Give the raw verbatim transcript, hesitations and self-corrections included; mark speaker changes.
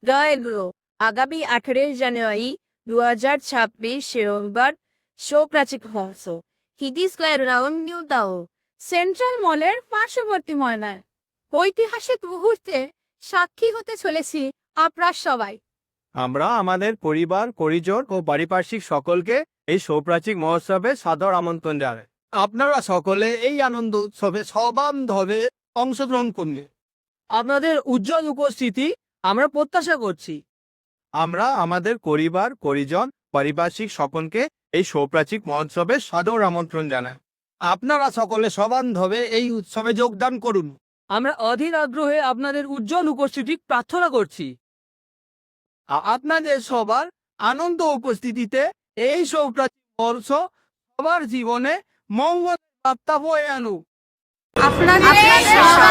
Speaker 1: দয়ালু আগামী আঠারোই জানুয়ারি দু হাজার ছাব্বিশ রবিবার শোপ্রাচিক হংস হিদি স্কোয়ার রাউন্ড নিউ দাও সেন্ট্রাল মলের পার্শ্ববর্তী ময়নায় ঐতিহাসিক মুহূর্তে সাক্ষী হতে চলেছি আপনার সবাই।
Speaker 2: আমরা আমাদের পরিবার পরিজন ও পারিপার্শ্বিক সকলকে এই সৌপ্রাচিক মহোৎসবে সাদর আমন্ত্রণ জানাই। আপনারা সকলে এই আনন্দ উৎসবে সবান্ধবে অংশগ্রহণ করুন।
Speaker 3: আপনাদের উজ্জ্বল উপস্থিতি আমরা প্রত্যাশা করছি।
Speaker 2: আমরা আমাদের পরিবার পরিজন পারিপার্শ্বিক সকলকে এই সৌপ্রাচিক মহোৎসবে সাদর আমন্ত্রণ জানাই। আপনারা সকলে সবান্ধবে এই উৎসবে যোগদান করুন।
Speaker 3: আমরা অধীর আগ্রহে আপনাদের উজ্জ্বল উপস্থিতি প্রার্থনা করছি।
Speaker 2: আ- আপনাদের সবার আনন্দ উপস্থিতিতে এই সৌপ্রাচিক বর্ষ সবার জীবনে মঙ্গল বার্তা বয়ে আনুক।
Speaker 1: আপনাদের